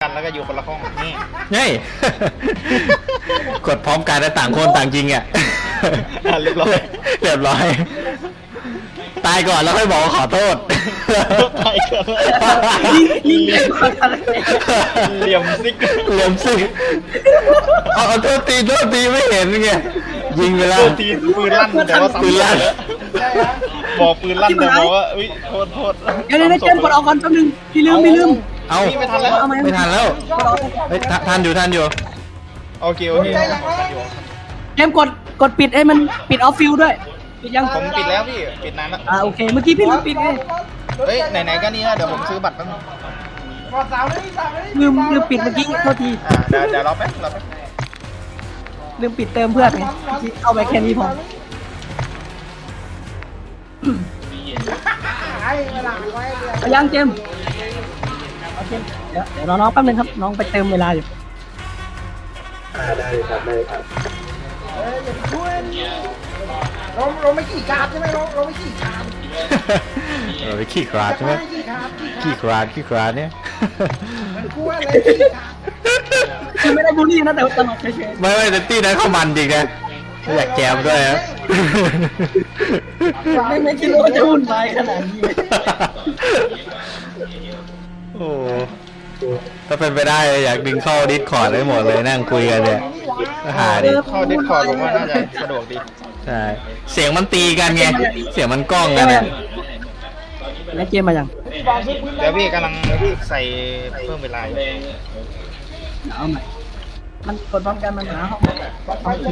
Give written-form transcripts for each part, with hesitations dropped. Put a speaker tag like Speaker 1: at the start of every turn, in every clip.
Speaker 1: กันแล้วก็อยู่คนละห้องนี่
Speaker 2: เฮ้ย กดพร้อมกันแล้วต่างคนต่างจริงอ่ะ
Speaker 1: เรียบร้อย
Speaker 2: เรียบร้อย ตายก่อนแล้วค่อยบอกว่าขอโทษ
Speaker 1: ตายกัน
Speaker 3: ยิงเด็กคนอะไร
Speaker 1: เหลี่ยมซิก
Speaker 2: เหลี่ยมสิเอาโทษทีไม่เห็นไงยิงไปแล้ว
Speaker 1: ตัวทีปืนลั่นแต่ว่าซ้ำ
Speaker 2: ปืนลั่น
Speaker 1: บอกปืนลั่นแต่บอกว่าอุ้ยโทษ
Speaker 3: เดี๋ยวเจมกดออกก่อนแป๊บนึงพี่ลืม
Speaker 2: เอา
Speaker 1: ไม่ทันแล้ว
Speaker 2: ไม่ทันแล้วเฮ้ยทันอยู่
Speaker 1: โอเค
Speaker 3: เจมกดปิดให้มันปิดออฟฟิลด้วยปิดยัง
Speaker 1: ผมปิดแล้วพี่ปิดนานแล้ว
Speaker 3: โอเคเมื่อกี้พี่ลืมปิดไง
Speaker 1: เฮ้ยไหนๆก็นี่แล้วเดี๋ยวผมซื้อบัตรแป๊บนึง
Speaker 3: ลืมปิดเมื่อกี้โทษที
Speaker 1: เดี๋ยวรอแป๊บ
Speaker 3: ลืมปิดเติมเพื่อนไงเอาไปแค่นี้พอไปยังเจมโอเคเดี๋ยวรอน้องแป๊บนึงครับน้องไปเติมเวลาอยู่
Speaker 4: ได้ครับ
Speaker 5: เราไม่ขี่การใช่ไหมเราไม่ขี่การ
Speaker 2: ไปขี้คราดใช่ไหม
Speaker 5: ขี่การ
Speaker 2: ขี้คราดเนี่ย
Speaker 5: กลัวอะไรขี่การ
Speaker 3: คือไม่ได้บูลลี่นะแต่ตลกเฉย
Speaker 2: ไม่แต่ตี้นั้นเขามันจริงนะอยากแจมด้วยนะ
Speaker 3: ๆไม่คิดว่าจะวุ่นวายขนาดนี้
Speaker 2: โอ้ถ้าเป็นไปได้อยากดึงเข้าดิสคอร์ดได้หมดเลยนั่งคุยกันเนี่ยหาดิ
Speaker 1: เข้าดิสคอร์ดผมว่าน่าจะสะดวกดี
Speaker 2: ใช่เสียงมันตีกันไงเสียงมันก้องกันเนี่ย
Speaker 3: แล้วเกมมายัง
Speaker 1: เดี๋ยวพี่กำลังใส่เพิ่มเวลาอยู่
Speaker 3: เอาใหม่มันกดพร้อมกันมันหาห้องเอาอีก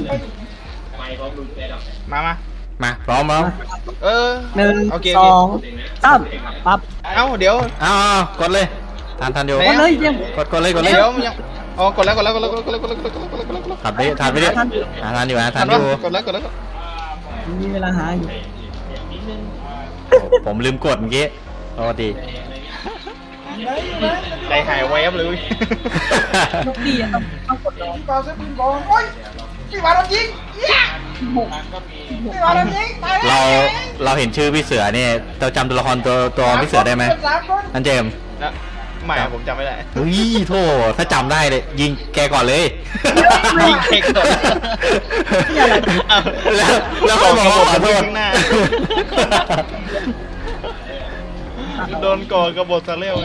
Speaker 1: มา
Speaker 2: พร้อมแล้ว
Speaker 3: หนึ่ง
Speaker 1: โอเค
Speaker 3: สองสามปั๊บ
Speaker 1: เอ้าเดี๋ยว
Speaker 2: อ้าวกดเลยทันอยู่
Speaker 1: ไหน
Speaker 3: กดเลยเจม
Speaker 2: กดเลย
Speaker 1: เดี๋ยวยังอ๋อกดแล้ว
Speaker 2: ทันไปทันอยู่ทันอยู่
Speaker 1: กดแล้ว
Speaker 3: มีเวลาหาอยู่
Speaker 2: ผมลืมกดเมื่อกี้ปกติ
Speaker 1: ใจหายแวบเลย
Speaker 3: ลูกดีอะต้องกดรอ
Speaker 5: ก่อนซื้อปืนก่อนโอ้ยพี่วาโดนยิงพี่วาโดนยิงตายแล้ว
Speaker 2: เราเห็นชื่อพี่เสือเนี่ยเราจำตัวละครตัวพี่เสือได้ไหมนั่นเจม
Speaker 1: ไม่ผมจำไม่ได้
Speaker 2: เฮ้ยโทษถ้าจำได้เลยยิงแกก่อนเลย
Speaker 1: ยิงเค้กก่อน
Speaker 2: แล้วก็บอกว่าขอโทษ
Speaker 1: ข้างหน้าโดนก่อกระบฏซะเร็ว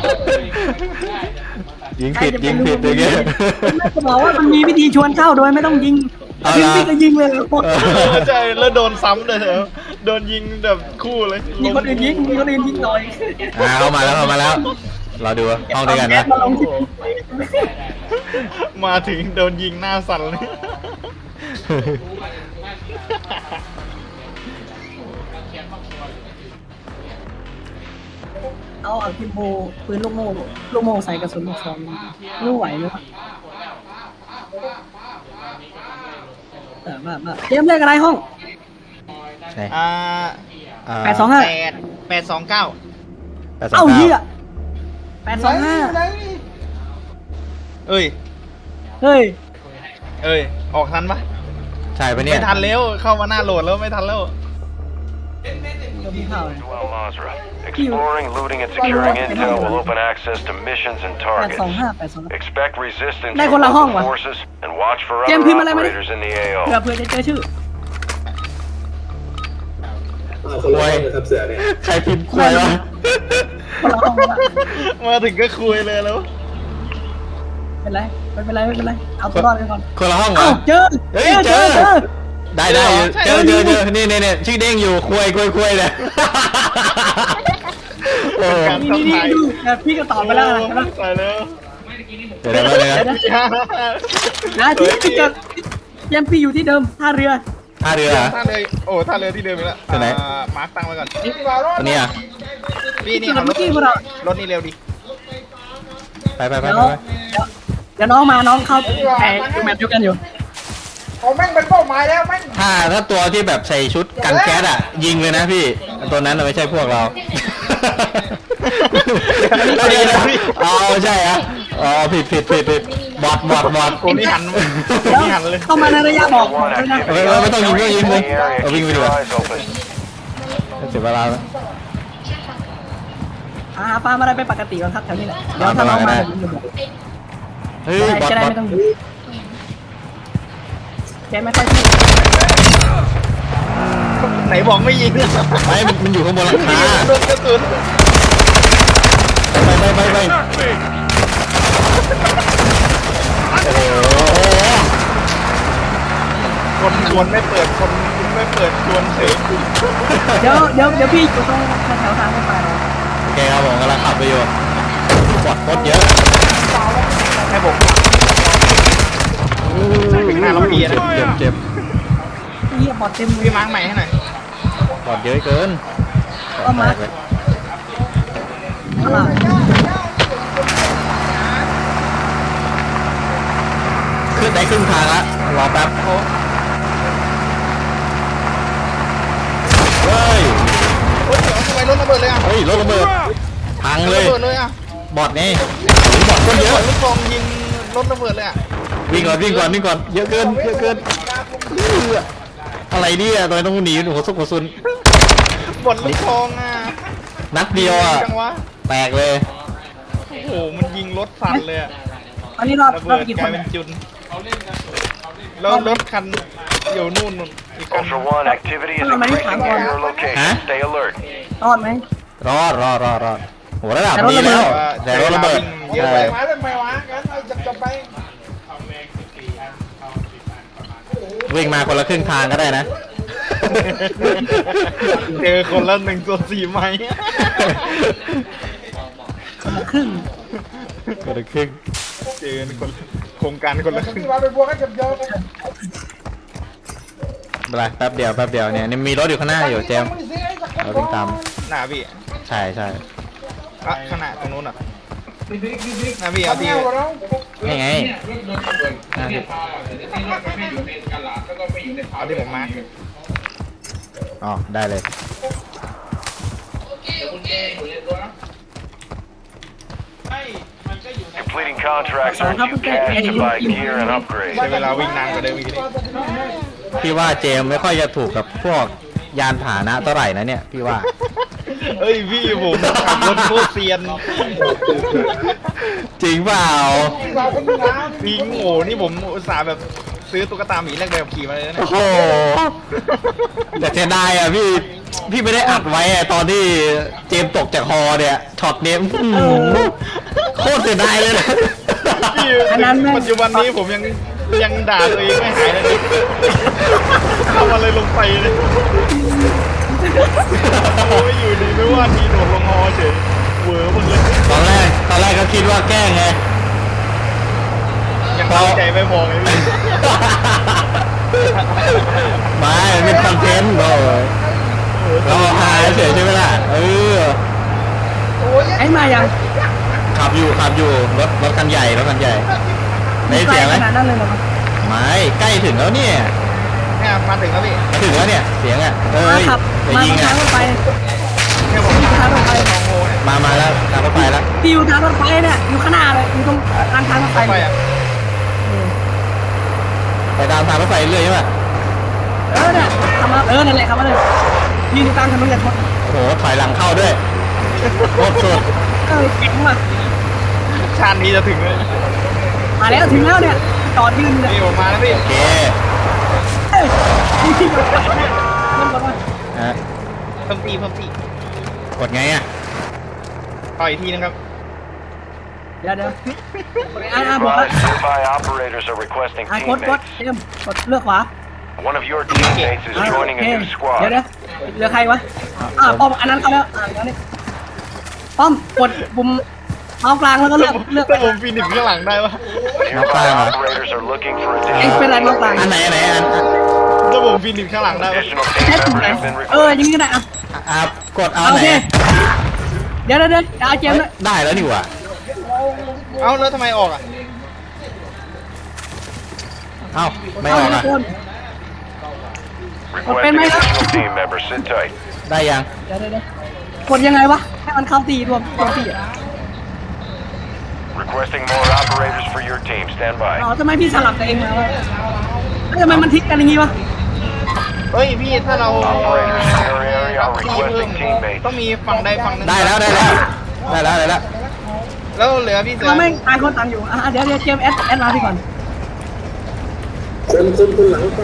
Speaker 2: ยิงผิดอย่างเงี้ย
Speaker 3: ไม่จะบอกว่ามันมีวิธีชวนเข้าโดยไม่ต้องยิงยิงพี่ก็ยิงเลย
Speaker 1: ใช่แล้วโดนซ้ำเลยเหรอโดนยิงแบบคู่เลย
Speaker 3: มีคนอื่นยิงหน่อย
Speaker 2: เข้ามาแล้วเราดูห้องด้วยกันนะ
Speaker 1: มาถึงโดนยิงหน้าสั่นเลย
Speaker 3: เอาพิมโบปืนลูกโม่ใส่กระสุนลูกซองรู้ไหวไหมมาเตรียมเลขอะไรห้อง
Speaker 2: ใช่
Speaker 3: 825
Speaker 1: 829
Speaker 3: เอ้าเหี้ย825
Speaker 1: เอ้ย
Speaker 3: เฮ้ย
Speaker 1: ออกทันปะ
Speaker 2: ใช่ปะเนี่ย
Speaker 1: ไม่ทันแล้วเข้ามาหน้าโหลดแล้วไม่ทันแล้ว
Speaker 6: Well, Mazra. Exploring, looting, and securing intel will open access to missions and targets.
Speaker 3: 825
Speaker 6: Expect resistance
Speaker 3: ได้
Speaker 6: from
Speaker 3: คนละห้อง
Speaker 6: local
Speaker 3: ว่ะ
Speaker 6: forces and watch for
Speaker 3: เจม
Speaker 6: other
Speaker 3: ส์พิมพ์อะไรมาดิ
Speaker 6: operators in the AO.
Speaker 3: เผื่อจะเจอชื่อ
Speaker 4: คนละห้องนะครับเสือเนี่ย
Speaker 2: ใครพิมพ์ควยวะ
Speaker 3: คนละห้อง
Speaker 1: มาถึงก็คุยเลยแล้ว
Speaker 3: เป็นไรไม่เป็นไรเอาตัวรอดไปก่อน
Speaker 2: คนละห้องเหร
Speaker 3: เอ้า
Speaker 2: อ
Speaker 3: เจอ
Speaker 2: ได้เจอนี่ชื่อเด้งอยู่คุยเนี่ยโอ้
Speaker 3: นี่ดูพี่ก็ตอบไปแล้วนะ
Speaker 1: ใส่แล้ว
Speaker 2: เดี๋ยว
Speaker 3: นะที่เจอเจมส์พี่อยู่ที่เดิมท่าเรือ
Speaker 2: ท่าเรือ
Speaker 1: ท่าเรือท่าเรือที่เดิมไปแล้วมาร์คตั้งไว้ก่อน
Speaker 2: ตัวนี้อ่ะ
Speaker 1: พี่นี่ขับรถนี่เร็วดิ
Speaker 2: ไป
Speaker 3: เดี๋ยวน้องมาน้องเข้าแข่งแมตช์เดียวกันอยู่
Speaker 5: ผมแม่งเป็นเป้าหมายแล้วแม่ง
Speaker 2: ถ้าตัวที่แบบใส่ชุดกันแก๊สอ่ะยิงเลยนะพี่ตัวนั้นไม่ใช่พวกเราใช่อ่ะผิดบอด
Speaker 1: โอ้นี่หันเลย
Speaker 3: เข้ามาในระยะบอกด้วยนะ
Speaker 2: ไม่ต้องยิงเลย
Speaker 6: In the area,
Speaker 2: วิ่ง
Speaker 6: keep
Speaker 2: ไปดี
Speaker 6: your
Speaker 2: กว่า
Speaker 6: eyes open.
Speaker 2: เสียเวลาแล้ว
Speaker 3: หาปลาอะไรไปปกติก่อนครับแถวนี้แหละเดี๋ยวถ้าน้องมาผมจะบอก
Speaker 2: เฮ้ยบอท
Speaker 3: จะได้
Speaker 2: บอท
Speaker 3: ไม่ต้องแกไม่ค่อยพูด
Speaker 1: ไหนบอกไม่ยิง
Speaker 2: ไม่มันอยู่ข้างบนหลังคา
Speaker 1: โดนกระสุน
Speaker 2: ไปโอ้โห
Speaker 1: คนชวนไม่เปิดคนไม่เปิดชวนเฉย
Speaker 3: เดี๋ยวพี่อยู่ตรงแถวทางรถไฟ
Speaker 2: โอเคครับผมกำลังขับไปอยู่บอทโคตรเยอะ
Speaker 1: ให้ผมถึงหน้าเราเพียนะ
Speaker 2: เจ็บ
Speaker 3: พี่บอดเต็มเลย
Speaker 1: พี่มาร์กใหม่ให้หน่อย
Speaker 2: บอทเยอะเกิน
Speaker 3: ก็มาร์ค
Speaker 2: เลย ขึ้นได้ครึ่งทางละรอแป๊บเฮ้ย
Speaker 1: เฮ้ยเดี๋ยวทำไมรถระเบิดเลยอ่ะ
Speaker 2: เฮ้ยรถระเบิดพังเล
Speaker 1: ระ
Speaker 2: ย
Speaker 1: เบิดเลยอ่ะ
Speaker 2: บอทนี่บอทคนเยอะ
Speaker 1: ลูกซองยิงรถระเบิดเลยอ่ะ
Speaker 2: วิ่งก่อนเยอะเกินอะไรเนี่ยทำไมต้องหนีหัวซุกหัวซุน
Speaker 1: บอดลูกซองอ่ะ
Speaker 2: นัดเดียวอ่ะ
Speaker 1: จังวะ
Speaker 2: แตกเลย
Speaker 1: โอ้โหมันยิงรถสั่นเลยอ่ะ
Speaker 3: อันนี้รอบ
Speaker 1: ระ
Speaker 3: รอ
Speaker 1: เบิ
Speaker 3: บ
Speaker 1: ด
Speaker 3: กี่
Speaker 1: ก
Speaker 3: ค
Speaker 1: ลาย
Speaker 3: น
Speaker 1: เป็นจุนแล้วรถคันอยู่นู่นอีกคัน
Speaker 6: Ultra One, activity is increasing near your location. Stay alert.
Speaker 3: รอดไหม
Speaker 2: รอดโหระดับนี้แล้วแต่รถระเบิด
Speaker 1: เยอะ
Speaker 2: ใช่
Speaker 1: ไป
Speaker 5: มาเป็นไงวะงั้นเอาจับไป
Speaker 2: วิ่งมาคนละครึ่งทางก็ได้นะ
Speaker 1: เจอคนละ1/4 ไม้
Speaker 3: คนละครึ่ง
Speaker 2: คนละครึ่ง
Speaker 1: เจอคนโครงการคนละครึ่ง
Speaker 5: ที่มาเป็นพวกกันจับยอกัน
Speaker 2: อะไรแป๊บเดียวเนี่ยมีรถอยู่ข้างหน้าอยู่เจมส์เราวิ่งตาม
Speaker 1: หน้าพี่
Speaker 2: ใช่
Speaker 1: อ่ะข้างหน้าตรงนู้นอ่ะหน้าพี่เอาที่
Speaker 2: นี่ไงอ่ะ
Speaker 1: เอาที่ผมมา
Speaker 2: อ๋อได้เลย
Speaker 6: Completing contracts earns you cash to buy gear and upgrades.
Speaker 1: ใช้เวลาวิ่งนานกว่าเดิมอีกนิด
Speaker 2: พี่ว่าเจมส์ไม่ค่อยจะถูกกับพวกยานพาหนะเท่าไหร่นะเนี่ยพี่ว่า
Speaker 1: เฮ้ยพี่ผมขับรถโคตรเซียน
Speaker 2: จริงเปล่า
Speaker 1: พี่โง่นี่ผมอุตส่าห์แบบซื้อตุ๊กตาหมีแรกแบบขี่มาเลยนะ
Speaker 2: โอ้โหแต่เสียดายอ่ะพี่ไม่ได้อัดไว้อ่ะตอนที่เจมส์ตกจากฮอเนี่ยช็อตเนี้ยโคตรเสียดายเลยนะ
Speaker 1: พี่ปัจจุบันนี้ผมยังด่าตัวเองไม่หายเลยทำอะไรลงไปเลยโอ้ยอยู่ดีไม่ว่าทีโดดลงฮอเฉยเวอร์หมดเลย
Speaker 2: ตอนแรกก็คิดว่าแกล้งไง
Speaker 1: ยังตั้งใจไม่พอไงพี่
Speaker 2: ไม่เป็นคอนเทนต์เราหายเฉยใช่ไหมล่ะ
Speaker 3: ไอ้มายัง
Speaker 2: ขับอยู่รถคันใหญ่ได้เสียงไหม
Speaker 3: ขนาดนั้นเลยเหรอ
Speaker 2: ไม่ใกล้ถึงแล้วเนี่ย
Speaker 1: เนี่ยมาถึงแล้วพี่
Speaker 2: ถึงแล้วเนี่ยเสียงอ่ะ
Speaker 3: มาขับ
Speaker 2: จะ
Speaker 3: มา
Speaker 2: ยิง
Speaker 3: ทา
Speaker 2: อ่ะ
Speaker 3: งรถไฟ
Speaker 1: เนี่ยผม
Speaker 3: ทางรถไฟ
Speaker 1: มองโง่เนี่ย
Speaker 2: มาแล้วทางรถไฟแล้ว
Speaker 3: พี่อยู่ทางรถไฟเนี่ยอยู่ข้างหน้าเลยอยู่ตรงทางรถไฟ
Speaker 1: ไปอ่ะ
Speaker 2: ไปตามทางรถไฟเรื่อยใช่ไหม
Speaker 3: เนี่ยขับมานั่นแหละขับมาเลยยืนอยู่กลางถนนอย่าชน
Speaker 2: โอ้โหถอยหลังเข้าด้วยโคตรสุด
Speaker 3: เก่งว่ะ
Speaker 1: ชาตินี้จะถึงเลย
Speaker 3: มาแล้วถึงแล้วเนี่ยจอดยืนเนี่ย
Speaker 1: นี่ผมมาแล้วพี่
Speaker 2: โอเค
Speaker 3: นี่เริ่มก่อนว่า
Speaker 2: ฮะ
Speaker 1: เพิ่มตี
Speaker 2: กดไงอ่ะ
Speaker 1: ต่ออีกทีนึงครับ
Speaker 3: เดี๋ยว
Speaker 6: Be
Speaker 3: บอกว่า
Speaker 6: advised, nearby operators are requesting
Speaker 3: กด
Speaker 6: teammates.
Speaker 3: เตรียมกดเลือกขวา
Speaker 6: One of your teammates is joining a new
Speaker 3: เดี๋ยว
Speaker 6: squad.
Speaker 3: เหลือใครวะป้อมอันนั้นเขาแล้วเดี๋ยวนี้ป้อมกดปุ่มเมาส์กลางแล้วก็เลือก
Speaker 1: ถ้าผมฟีนิกซ์ข้างหลังได้ปะ
Speaker 6: Nearby operators are looking for
Speaker 3: เอ็งเป็นไร
Speaker 6: additional
Speaker 3: เมาส์กลาง
Speaker 2: อันไหน
Speaker 1: ถ้าผมฟีนิกซ์ข้างหลังได้ปะ
Speaker 6: additional
Speaker 3: แค่
Speaker 6: team
Speaker 3: ปุ่มไหน
Speaker 6: members have been
Speaker 3: อย่าง
Speaker 6: requested.
Speaker 3: นี้ก็ได้อ่ะ
Speaker 2: กดเอา
Speaker 3: โอ
Speaker 2: ไหน
Speaker 3: เคเดี๋ยวเอาเจมส์เลย
Speaker 2: ได้แล้วนี่หว่า
Speaker 1: เอ้าแล้วทำไมออกอ่ะ
Speaker 2: เอ้าไม่อ
Speaker 3: เอา
Speaker 2: อก
Speaker 3: ทุ
Speaker 2: อ่ะ
Speaker 3: กคน
Speaker 6: Requesting additional team members. Sit tight.
Speaker 2: ได้ยัง
Speaker 3: เดี๋ยวกดยังไงวะให้มันเข้าตีรวมตีอ่ะ
Speaker 6: Requesting more operators for your team. Stand by.
Speaker 3: อ๋อทำไมพี่สลับตัวเองมาวะทำไมมันทิศกันอย่างงี้วะ
Speaker 1: เฮ้ยพี่ถ้าเรา
Speaker 6: Operators in your area are
Speaker 1: ตีเพิ่ม
Speaker 6: requesting teammates.
Speaker 1: ต้องมีฝั่งใดฝั่งหนึ่ง
Speaker 2: ได้แล้ว
Speaker 1: แล้วเหลือพี่เสือ
Speaker 3: เราไม่งต่างคนต่างอยู่เดี๋ยวเจมส์แอดมาพี่ก่อน
Speaker 4: คนหลังไป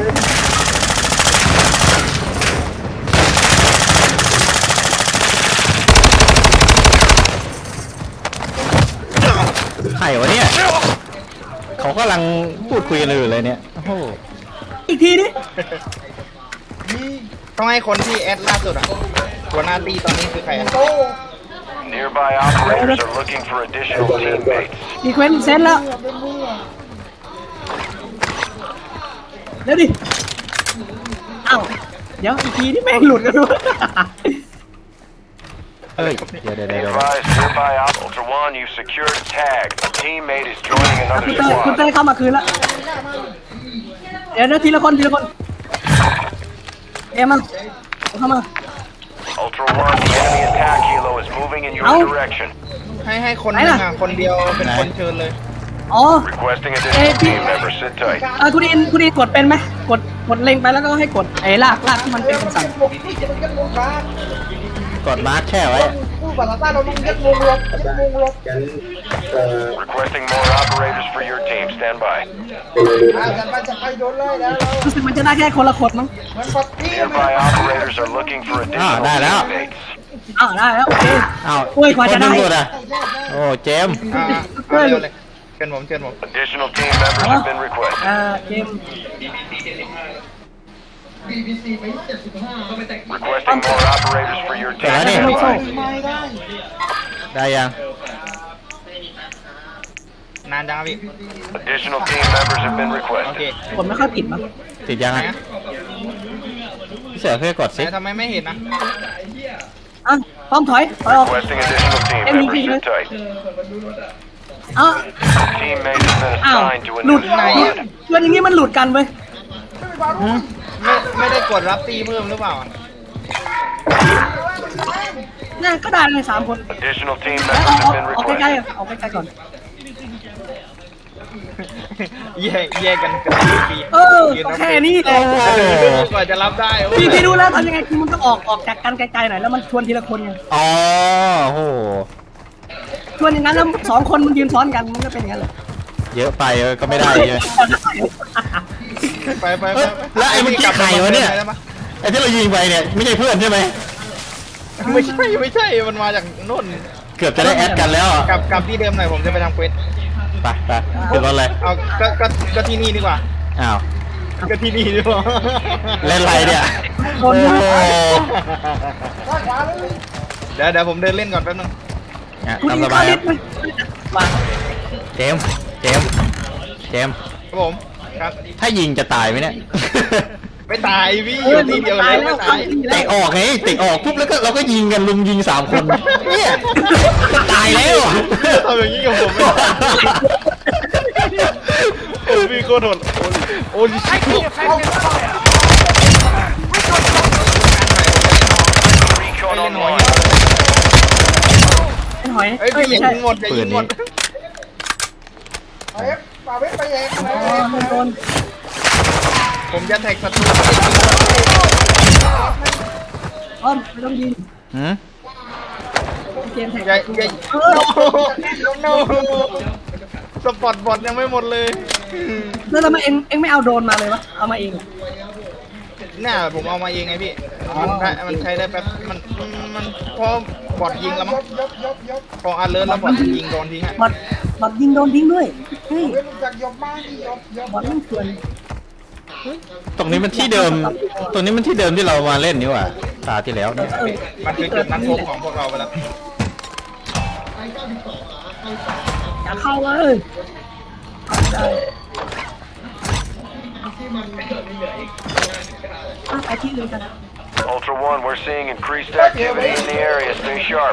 Speaker 2: ใครวะเนี่ยเขากำลังพูดคุยกันอยู่เลยเนี่ยโอ้โห
Speaker 3: อีกทีดิ
Speaker 1: ต้องให้คนที่แอดล่าสุดอ่ะหัวหน้าตีตอนนี้คือใครอ่ะ
Speaker 6: Nearby operators are looking for additional teammates.
Speaker 3: ดีเควน์เซนแล้วเดี๋ยวดิเอ้าเดี๋ยวอีกทีที่แม่งหลุดกันด้วย
Speaker 2: เอ้ยเดี๋ยว
Speaker 6: Be advised, nearby Ultra One, you've secured a tag. A teammate is joining
Speaker 3: คุณ
Speaker 6: another
Speaker 3: เต้
Speaker 6: squad.
Speaker 3: เข้ามาคืนแล้วเดี๋ยวทีละคนเอ็มมาเข้ามา
Speaker 6: Ultra One, the enemy attack helo is moving in your direction.
Speaker 1: ให้คนหนึงอ่ะคนเดียวเป็นคนเชิญเลย
Speaker 3: อ๋อ
Speaker 6: Requesting additional team members. Sit tight.
Speaker 3: คุณอินกดเป็นไหมกดเล็งไปแล้วก็ให้กดลากที่มันเป็นคำสั่ง
Speaker 2: กดมาร์คแช่ไว้
Speaker 5: พูดภาษาใต้เราต้องยึดวงลบ
Speaker 4: กัน
Speaker 6: Requesting more operators for your team. Stand by.
Speaker 5: จะไปโดนเลยแล้ว
Speaker 3: รู้สึกมันจะได้แค่คนละคนมั้ง
Speaker 5: มันปัดที่
Speaker 6: Nearby operators are looking for additional
Speaker 2: ได้แล้ว
Speaker 6: teammates.
Speaker 3: ได้แล้วโอเค
Speaker 2: อ้าว
Speaker 3: โอ้ยกว่าจะได้
Speaker 2: คนหนึ่งหมอ่ะโอ้เจมส์
Speaker 1: เอาเร็วเลยเชิญผม
Speaker 6: Additional team members have been requested.
Speaker 3: เกม
Speaker 6: Requesting more operators for your team.
Speaker 2: Ready?
Speaker 6: Stand by.
Speaker 2: ได้ยัง
Speaker 1: นานจังครับพี่
Speaker 6: Additional team members have been
Speaker 1: โอเค
Speaker 6: requested.
Speaker 3: ผมไม่ค่อยผิดมั้ง
Speaker 2: ติดยัง
Speaker 1: ไหน
Speaker 2: อ่ะ
Speaker 1: อะ
Speaker 2: พี่เสือเพื่อกด
Speaker 1: ไห
Speaker 2: ซิ
Speaker 1: นทำไมไม่เห็นนะ
Speaker 3: พร้อมถอยออก
Speaker 6: Requesting additional team members. Sit tight. Teammate has been
Speaker 3: อ้าว
Speaker 6: assigned to a
Speaker 3: หลุ
Speaker 6: new
Speaker 3: ด
Speaker 6: squad.
Speaker 3: ชวนอย่างนี้มันหลุดกันเว้ย
Speaker 1: ไม่ได้กดรับตีเพิ่มหรือเปล่า
Speaker 3: น่าก็ได้เลย3 คน
Speaker 6: Additional team
Speaker 3: อ
Speaker 6: members
Speaker 3: อก
Speaker 6: have been
Speaker 3: ใกล้
Speaker 6: requested.
Speaker 3: ๆออกใกล้ๆก่อน
Speaker 1: แยกกันเป็นปี
Speaker 3: ก็แค่นี้แหละ
Speaker 1: กว่าจะรับได้โอ้ย
Speaker 3: พี่รู้แล้วทำยังไงคือมันต้องออกจากกันไกลๆหน่อยแล้วมันชวนทีละคนไง
Speaker 2: อ๋อโอ้โห
Speaker 3: ชวนอย่างนั้นแล้ว2 คนมันยืนซ้อนกันมันก็เป็นอย่างนั้นเลย
Speaker 2: เยอะไปก็ไม่ได้ใช่ไหม
Speaker 1: ไป
Speaker 2: เอ้ยแล้วไอ้เมื่อกี้ใครวะเนี่ย ไอ้ที่เรายิงไปเนี่ยไม่ใช่เพื่อนใช่ไหม
Speaker 1: ไม่ใช่มันมาจากโน่น
Speaker 2: เกือบจะได้แอดกันแล้วอ่ะ
Speaker 1: กลับที่เดิมหน่อยผมจะไปทำเควส
Speaker 2: ไปขึ้นรถเลย
Speaker 1: เอาก็ที่นี่ดีกว่า
Speaker 2: อ้าว
Speaker 1: ก็ที่นี่ดีกว่า
Speaker 2: เล่นอะไรเนี่ย
Speaker 3: ค
Speaker 2: โอ้
Speaker 3: น
Speaker 2: โห
Speaker 1: เดี๋ยวผมเดินเล่นก่อนแป๊บนึง
Speaker 2: อ่ะ
Speaker 3: คุณ
Speaker 2: ตาม
Speaker 3: อิ
Speaker 2: ส
Speaker 3: น
Speaker 2: บา
Speaker 3: เข้าย ลิ
Speaker 2: ครั
Speaker 3: ฟ
Speaker 2: บ
Speaker 3: ต์ไหมมา
Speaker 2: เจมส์
Speaker 1: ครับผมครับ
Speaker 2: ถ้ายิงจะตายไหมเนี่ย
Speaker 1: ไม่ตายพี่อยู่ที่เดียวเลยไม่ตาย
Speaker 2: เตะออกไงเตะออกปุ๊บแล้วก็เราก็ยิงกันลุมยิง3 คนเนี่ยจะตายแล้วอะ
Speaker 1: ทำอย่างนี้กับผมไม่ได้โอ้ยพี่โคตรโหดโอ้ยชิค
Speaker 6: Recon
Speaker 1: เล่นหอย
Speaker 6: online.
Speaker 3: เป็นหอย
Speaker 1: เอ้ยพี่อย่า
Speaker 3: ไม่ใช่
Speaker 1: ยิงหมดอย่ายิงหมด
Speaker 5: เอฟป่าเวฟไปเอง
Speaker 3: โดน
Speaker 1: ผมจะแท็กศัตรู
Speaker 3: อ้อมไม่ต้องยิง
Speaker 2: หืม
Speaker 3: เกมแท็ก
Speaker 1: อย่า
Speaker 3: เออ
Speaker 1: โนสปอตบอทยังไม่หมดเลย
Speaker 3: แล้วทำไมเอ็งไม่เอาโดรนมาเลยวะเอามาเอง
Speaker 1: น่าผมเอามาเองไงพี่มันใช้ได้แป๊บมันพอบอทยิงแล้วมั้งพออันเลิศแล้วบอทยิงโดนทิ้งฮะ
Speaker 3: บอดยิงโดนทิ้งด้วยเฮ้ย
Speaker 5: เวฟรู้จักยบมากที่ยบบ
Speaker 3: อดมันเถื่อน
Speaker 2: ตรงนี้มันที่เดิม ตรงนี้มันที่เดิมที่เรามาเล่นนี่หว่าตาที่แล้วเนี่ย
Speaker 1: มันคือจุดนัดพบของพวกเราไปแล้ว
Speaker 3: อย่าเข้าเลยไปที่อื่นกัน
Speaker 6: Ultra One, we're seeing increased activity in the area. Stay sharp.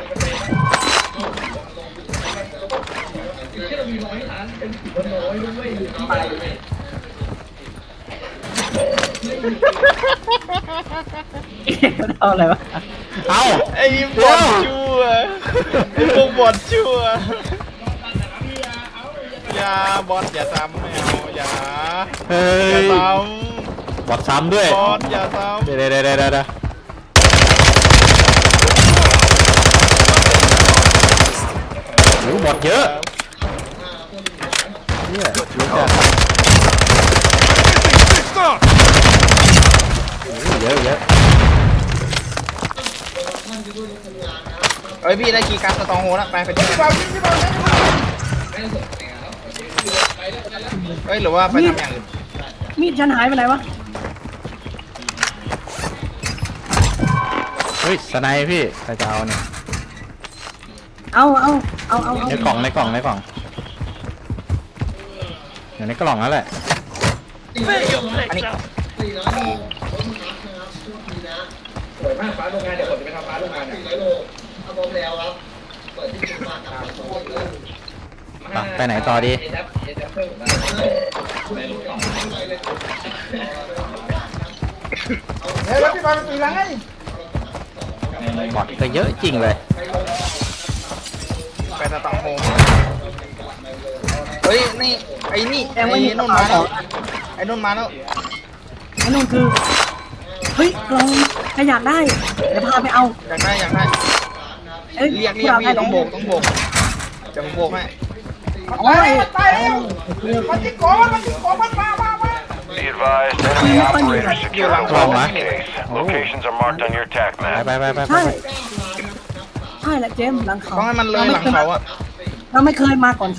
Speaker 3: เอาอะไรวะ
Speaker 2: เอ้า
Speaker 1: ไอ้บอทชั่วไอ้พวกบอทชั่วอย่าบอทอย่าซ้ำไม่เอาอย่า
Speaker 2: เฮ้
Speaker 1: อย่าย ซ้
Speaker 2: บอดซ้ำด้วย
Speaker 1: ำบอทอย่าซ้ำ
Speaker 2: เดี๋ยวโอ้บอดเยอะเนี่ยเยอะเยอะ
Speaker 1: เอ้ยพี่ได้คีย์การ์ดสตองโฮแล้วไปที่
Speaker 5: พี่บอลยิงพี่บอลยิง
Speaker 1: เอ้ยหรือว่าไปทำอย่างอื่น
Speaker 3: มีดฉันหายไปไหนวะ
Speaker 2: เฮ้ยสไนป์พี่ใครจะเอาเนี่ย
Speaker 3: เอา
Speaker 2: ในกล่องอยู่ในกล่องนั่นแหละ
Speaker 1: อันนี้
Speaker 4: สวยมากฟ้าโรงงานเดี๋ยวผมจะไปทำฟ้าโรงงานเนี่ย
Speaker 2: ไปไหนต่อดี
Speaker 5: เฮ้ยแล้วพี่บอลตีหลังไง
Speaker 2: บอดก็เยอะจริงเลย
Speaker 1: ไปสตองโฮเฮ้ยนี่ไอ้นี่ไอ้นุ่นมาแล้วไอ้นุ่นมาแล้ว
Speaker 3: ไอ้นู่นคือเฮ้ยกล่องใครอยากได้เดี๋ยวพาไปเอา
Speaker 1: อยากได้
Speaker 3: เอ้ย
Speaker 1: เรียกพี่ต้องโบกเดี๋ยวผมโบกให้
Speaker 5: ตายแล้วตายแล้วมันยิงของมันยิงของมันมา
Speaker 6: Be advised, enemy operators securing
Speaker 2: Wrong,
Speaker 6: this
Speaker 2: huh?
Speaker 6: case. Locations are marked on your attack
Speaker 2: ไป
Speaker 6: map.
Speaker 3: ใช่ใช่แหละเจมส์หลังเขา
Speaker 1: ต้องให้มันเลยหลังเขาอะ
Speaker 3: เราไม่เคยมาก่อนเขา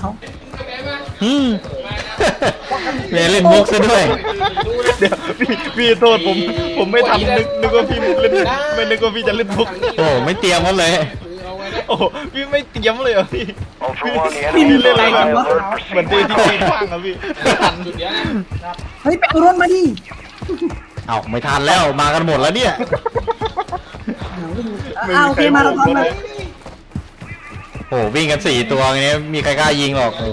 Speaker 2: เมย์เล่นมุกซะด้วย
Speaker 1: เดี๋ยวพี่โทษผมไม่ทันนึกว่าพี่เล่นไม่นึกว่าพี่จะเล่นมุก
Speaker 2: โอ้ไม่เตรียมกันเลย
Speaker 1: โอ้พี่ไม่เตรียมเลยเหรอพี่
Speaker 6: Ultra One, the
Speaker 1: พี่
Speaker 6: enemy
Speaker 1: เล่นอะไร
Speaker 6: is
Speaker 1: กัน
Speaker 6: on
Speaker 1: วะ
Speaker 6: alert.
Speaker 1: เหมือน
Speaker 6: Proceed
Speaker 1: ที่
Speaker 6: with
Speaker 1: ที่
Speaker 6: caution.
Speaker 1: ฟังอะพี่ทัน
Speaker 3: เฮ้ยไปเอารถมาดิ
Speaker 2: เอาไม่ทันแล้วมากันหมดแล้วเนี่ย
Speaker 3: โอเคมาเราทำเลย
Speaker 2: โอ้วิ่งกัน4 ตัวอย่างเงี้ยมีใครกล้ายิงหรอกโอ้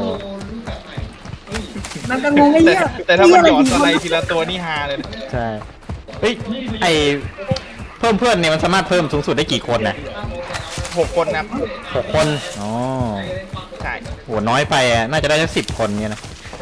Speaker 3: มันก็งงไอ้เหี้ย
Speaker 1: แต่ถ้ามันหยอด
Speaker 3: เหี้
Speaker 1: อะ
Speaker 3: ไร
Speaker 1: ทีละตัวนี่ฮาเลยนะ
Speaker 2: ใช่เฮ้ยไอเพิ่มเพื่อนเนี่ยมันสามารถเพิ่มสูงสุดได้กี่คนนะ
Speaker 1: 6 คนนะครับ
Speaker 2: 6 คนอ๋อ
Speaker 1: ใช่
Speaker 2: โหน้อยไปอ่ะน่าจะได้สัก10 คนเนี่ยนะ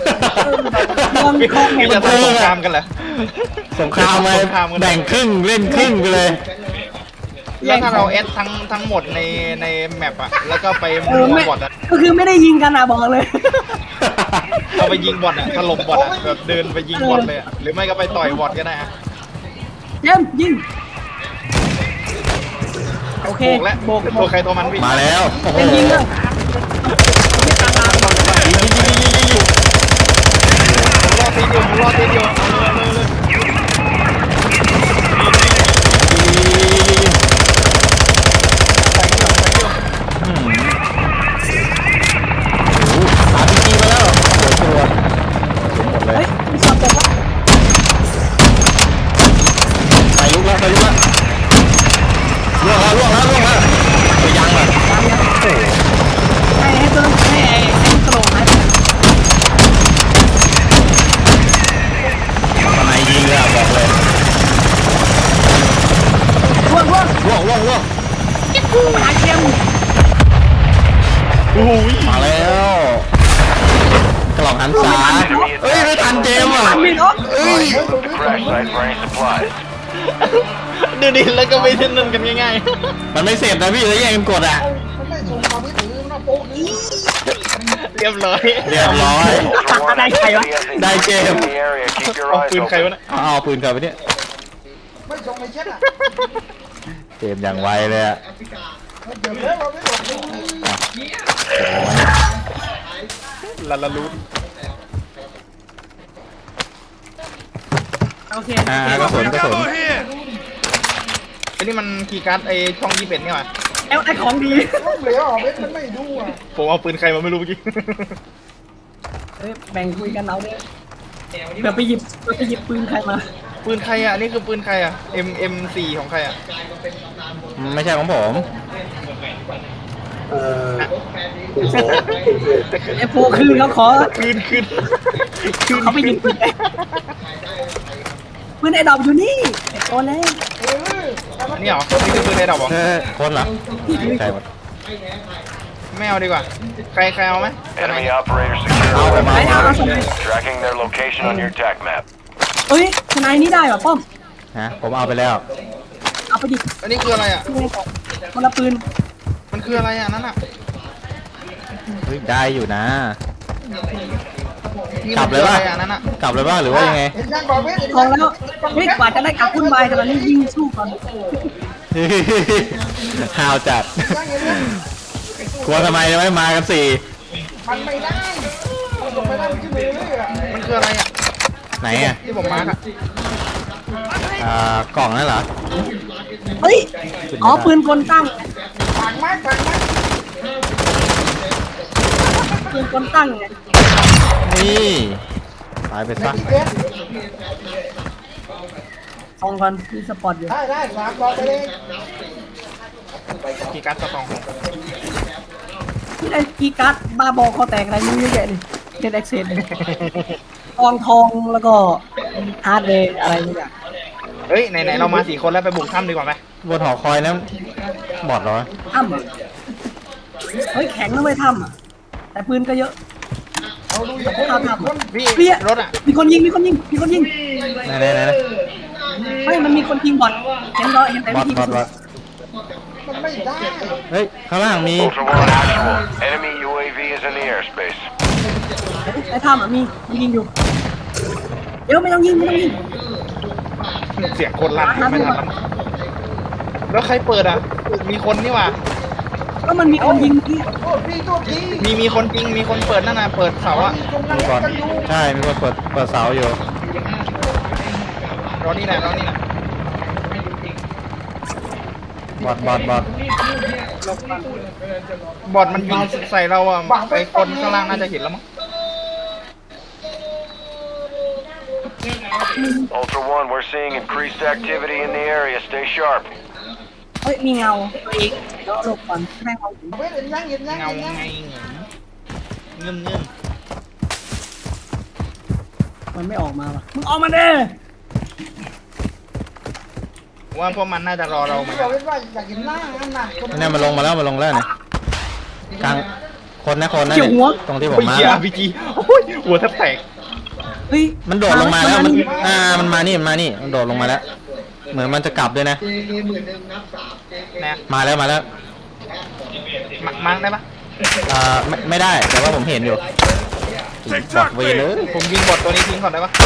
Speaker 1: พี่จะทำสงครามกันเหรอ
Speaker 2: สงครามเลยแบ่งครึ่งเล่นครึ่งไปเลย
Speaker 1: แล้วถ้าเราเอสทั้งหมดในแมปอะแล้วก็ไปมุมบอทอะ
Speaker 3: ก็คือไม่ได้ยิงกันอ่ะบอกเลย
Speaker 1: เราไปยิงบอทอะถล่มบอทอะแบบเดินไปยิงบอทเลยอะหรือไม่ก็ไปต่อยบอทก็ได้อะ
Speaker 3: เจมส์ยิงโอเค
Speaker 1: โบกแล้วตัวใครตัวมันพี่
Speaker 2: มาแล้วโอ้โห
Speaker 3: เป็นยิงเลย
Speaker 1: ผมรอตีอยู่
Speaker 2: RPG มาแล้วโอ้โหหมดเลย
Speaker 3: เฮ้ยมีสอบตกวะ
Speaker 2: ไฟลุกแล้วล่วงแล้วไปยังอ่ะโอ้โห
Speaker 3: ให้ตัวให้กระโหลกหายไป
Speaker 2: ทนายยิงเลยอ่ะบอกเลย
Speaker 3: ร่วง
Speaker 2: ล่วง
Speaker 3: หาเจมส์
Speaker 1: โอ้ย
Speaker 2: มาแล้วกล่องหันษาเอ้ยไม่ทันเจมส์อ่ะ
Speaker 3: ไม่เนาะ
Speaker 6: Move to the crash site for any supplies.
Speaker 1: ดูดิแล้วก็ไม่เล่นนั่นกันง่าย
Speaker 2: มันไม่เสร็จนะพี่แล้วแย่งกันกดอ่ะ
Speaker 5: มันไม่ส่งความไม่ถือมันโป๊กนี้
Speaker 1: ๆเรียบร้อย
Speaker 2: เรียบร้อย
Speaker 6: Ultra One,
Speaker 3: Đây,
Speaker 6: UAV
Speaker 3: hay quá.
Speaker 6: has
Speaker 2: Đây,
Speaker 6: engaged
Speaker 2: chê.
Speaker 6: in the area. Keep your
Speaker 1: เอา
Speaker 6: eyes
Speaker 1: ปืนใคร
Speaker 6: open.
Speaker 1: วะเนี่ย
Speaker 2: เอาปืนกลับไปเนี่ย
Speaker 5: ไม่ส่งไม่เช็ดอ่ะ
Speaker 2: เจมส์อย่างไวเลยอ่ะ
Speaker 5: เดี๋ยวเราไม่ส่งนี่
Speaker 1: ลาลาลูน
Speaker 3: โอเค
Speaker 2: กระสุน
Speaker 1: ไอ้นี่มันคีย์การ์ดไอ้ช่อง21นี่หว่า
Speaker 3: แล้วไอ้ของดี
Speaker 5: ลูกเหลวเม็ดมันไม่ดูอ่ะ
Speaker 1: ผมเอาปืนใครมาไม่รู้เมื่อกี้
Speaker 3: แบ่งคุยกันเอาเนี่ยเดี๋ยวไปหยิบปืนใครมา
Speaker 1: ปืนใครอ่ะนี่คือปืนใครอ่ะ M4 ของใครอ่ะ
Speaker 2: ไม่ใช่ของผม
Speaker 4: คุณขอคุณเพื่อน
Speaker 3: ไอ้โฟคือเขาขอ
Speaker 1: คืน
Speaker 3: เขาไปหยิบปืนปืนไอ้ดอกอยู่นี่ไอ้โตแล้ว
Speaker 1: นี่เหรอนี่คือปืนไอ้ดอกเหรอ
Speaker 2: คนเหรอใช่หมด
Speaker 1: ไม่เอาดีกว่าใครเอาไหม
Speaker 6: Enemy operators securing
Speaker 2: เอา
Speaker 6: the
Speaker 2: มา
Speaker 3: เอาสมัย
Speaker 6: tracking their location on your attack map.
Speaker 3: เอ้ยทนายนี้ได้เหรอป้อม
Speaker 2: ฮะผมเอาไปแล้ว
Speaker 3: เอาไปดิ
Speaker 1: อันนี้คืออะไรอ่ะ
Speaker 3: คนละปืน
Speaker 1: มันคืออะไรอ่ะนั่นอ่ะ
Speaker 2: เฮ้ยได้อยู่นะ
Speaker 1: นี่
Speaker 2: กลั
Speaker 1: มั
Speaker 2: บ
Speaker 1: น
Speaker 2: เล
Speaker 1: คื
Speaker 2: ย
Speaker 1: อ
Speaker 2: ป่ะ
Speaker 1: อะไรอันนั้นอะ
Speaker 2: กลับเลยป่ะหรือว่ายังไง
Speaker 5: เห็นยังบอกเว้ยเห็น
Speaker 3: ทอง
Speaker 5: ยัง
Speaker 3: แล้วเฮ้ยกว่าจะได้กลับคุณบายแต่ละนี้ยิงสู้ก่อน
Speaker 2: ฮาวจัด
Speaker 5: ยังเห็นยัง
Speaker 2: กลัวทำไมไม่มากันสี่
Speaker 5: มันไม่ได้มันไม่ได้มันขึ้นเลยอ่ะ
Speaker 1: มันคืออะไรอะ
Speaker 2: ไหนอ่ะ
Speaker 1: ที่ผมมาร์กอะ
Speaker 2: กล่องนั่นเหรอ
Speaker 3: เฮ้ยอ๋อปืนกลตั้ง
Speaker 5: ต่างมากต่างมาก
Speaker 3: ปืนกลตั้งไง
Speaker 2: นี่ตายไปซะ
Speaker 5: พี่เบส
Speaker 3: ทองก่อนมีสปอร์ตอยู่
Speaker 5: ได้ฝากบอกไปเลย
Speaker 1: กีการ์ดสตองของ
Speaker 3: ที่ได้กีย์การ์ดบาบอคอแตกอะไรนี่เยอะแยะเลยเน็ตแอคเซสเลยทองแล้วก็ฮาร์ดเวย์อะไรทุกอย่าง
Speaker 1: เฮ้ยไหนๆเรามา4 คนแล้วไปบุกถ้ำดีกว่าไหม
Speaker 2: บนหอคอยนั้นบอดเหรอ
Speaker 3: ถ้ำอ่ะเฮ้ยแข็งแล้วไม่ถ้ำอ่ะแต่ปืนก็เยอะ
Speaker 5: เอาดูอย่างคน
Speaker 3: ถ้ำ
Speaker 5: คน
Speaker 1: พี่
Speaker 3: เปี้ย
Speaker 1: รถอะ
Speaker 3: มีคนยิงมีคนยิงมีคนยิง
Speaker 2: ไหน
Speaker 3: ไม่มันมีคนยิงบอลเห็นเห็นแต่
Speaker 2: บอ
Speaker 3: วิ
Speaker 2: ด
Speaker 3: ธี
Speaker 2: บอดบอด
Speaker 5: มันไม่ได้
Speaker 2: เฮ้ยข้างล่างมี
Speaker 6: Ultra One actual. Enemy UAV is in the airspace.
Speaker 3: ไอ้ถ้ำอ่ะมียิงอยู่เดี๋ยวไม่ต้องยิงไม่ต้องยิง
Speaker 1: เสียงคนลั่นไม่ทันแล้วแล้วใครเปิดอะมีคนนี่หว่า
Speaker 3: ก็มันมีคนยิงที่
Speaker 5: โทษพี่โทษที
Speaker 1: มีคนจริงมีคนเปิดนั่นน่ะเปิดเสาอะ
Speaker 5: กำลัง
Speaker 2: มีก่อน
Speaker 5: กันอยู่
Speaker 2: ใช่มีคนเปิดเสาอยู่
Speaker 1: รอนี่แหละรอนี่แหละ
Speaker 2: บอดบอดบอด
Speaker 1: บอดมันยิงใส่เราอะไอคนข้างล่างน่าจะเห็นแล้วมั้ง
Speaker 6: Ultra One, we're seeing increased activity in the area. Stay sharp.
Speaker 3: เฮ้ยมีเงาอีกเดี๋ยวหลบก่อนแม่งเอา
Speaker 5: เว้ยเห็นยังเห็นยัง
Speaker 1: เงา
Speaker 5: เห็นยัง
Speaker 1: ไงเงื่อนเงื่อน
Speaker 3: มันไม่ออกมาว่ะมึงออกมาเด้
Speaker 1: ว่าพวกมันน่าจะรอเราเหมื
Speaker 5: พี่
Speaker 1: อน
Speaker 5: บ
Speaker 1: กั
Speaker 5: อน กว่าอยากเห็นหน้านั่นน่ะคน
Speaker 2: นี่มันลงมาแล้วเนี่ยกลางคนนะเนี่ยตรงที่ผม
Speaker 1: โอ้ย
Speaker 2: มา
Speaker 1: เหี้ยพีจีโอ้ยหัวแทบแตก
Speaker 3: เฮ้ย
Speaker 2: มันโดดลงมาแล้วมันมานี่มันโดดลงมาแล้ว เหมือนมันจะกลับด้วยนะ
Speaker 1: นะ
Speaker 2: มาแล้ว
Speaker 1: มาร์กได้ปะ
Speaker 2: ไม่ได้แต่ว่าผมเห็นอยู่บอกเวเลย
Speaker 1: ผมยิงบอดตัวนี้ทิ้งก่อนได้ปะ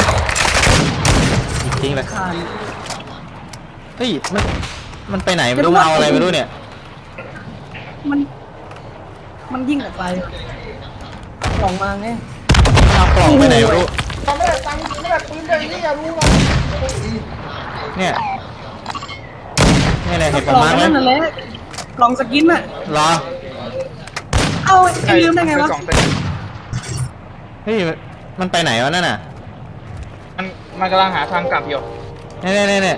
Speaker 2: ทิ้งเลย
Speaker 3: คาน
Speaker 2: เฮ้ยมันไปไหนไม่รู้เอาอะไรไม่รู้เนี่ย
Speaker 3: มันยิ่งออกไปกล่องมาไง
Speaker 2: เอากล่องไปไหนไม่รู้
Speaker 5: ทำไม่ได้ตังค์ไม่ได้ปืนเลยนี่อย่ารู้นะ
Speaker 2: เนี่ยนี่แหละเห็น
Speaker 3: ก
Speaker 2: ประ
Speaker 3: ล่อง
Speaker 2: มาณไหม
Speaker 3: นั่นแหละกล่องสกินน่ะ
Speaker 2: รอ
Speaker 3: เอาไอ้ลืมได้ไงวะ
Speaker 1: กล่องเต็ม
Speaker 2: เฮ้ยมันไปไหนวะนั่นน่ะ
Speaker 1: มันกำลังหาทางกลับอยู่
Speaker 2: เนี่ย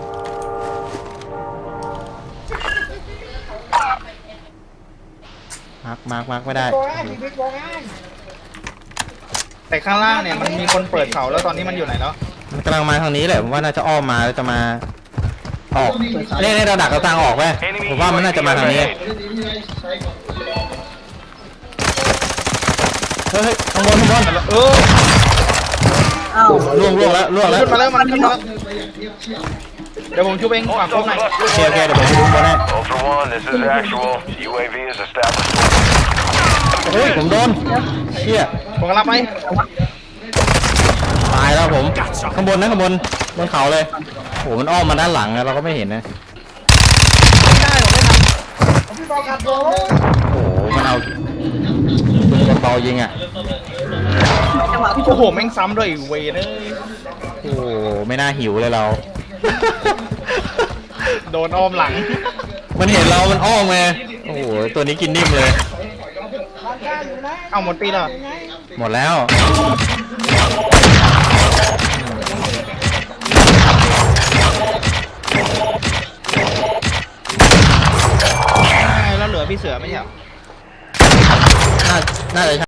Speaker 2: มาร์กไม่ได้
Speaker 5: บอกง่ายพี่บอกง่าย
Speaker 1: แต่ข้างล่างเนี่ยมันมีคนเปิดเสาแล้วตอนนี้มันอยู่ไหนแล้ว
Speaker 2: มันกำลังมาทางนี้แหละผมว่าน่าจะอ้อมมาแล้วจะมาออกเนี่ยเราดักเราทางออกไปผมว่ามันน่าจะมาทางนี้เฮ้ยข้างบน
Speaker 3: เอ้า
Speaker 2: ล่วงแล้ว
Speaker 1: ขึ้นมาแล้วมันขึ้นมาแล้วเดี๋ยวผมช่วยเองฝากผมหน่อย
Speaker 2: โอเคเดี๋ยวผมไปดูบนให้
Speaker 6: Ultra One, this is actual. UAV is established.
Speaker 2: เฮ้ยผมโดนเชี่ย
Speaker 1: ผมกำลังไป
Speaker 2: ตายแล้วผมข้างบนบนเขาเลยโหมันอ้อมมาด้านหลังอะเราก็ไม่เห็นนะ
Speaker 1: ได้ผมได้ท
Speaker 5: พี่บอกขัดโดน
Speaker 2: โอ้โหมันเอาปืนกระเป๋ายิงอ่ะ
Speaker 3: จังหวะพี่
Speaker 1: ำ
Speaker 3: โจ
Speaker 1: โอ้โหแม่งซ้ำด้วยเวยเลย
Speaker 2: โอ้โหไม่น่าหิวเลยเรา
Speaker 1: โดนอ้อมหลัง
Speaker 2: มันเห็นเรามันอ้อมไงโอ้โหตัวนี้กินนิ่มเลย
Speaker 5: ร้านค้าอยู่นะ
Speaker 1: เอาหมดปีแล้ว
Speaker 2: หมดแล้ว
Speaker 1: แล้วเหลือพี่เสือไม่ใช่เหรอ
Speaker 2: น่าจะ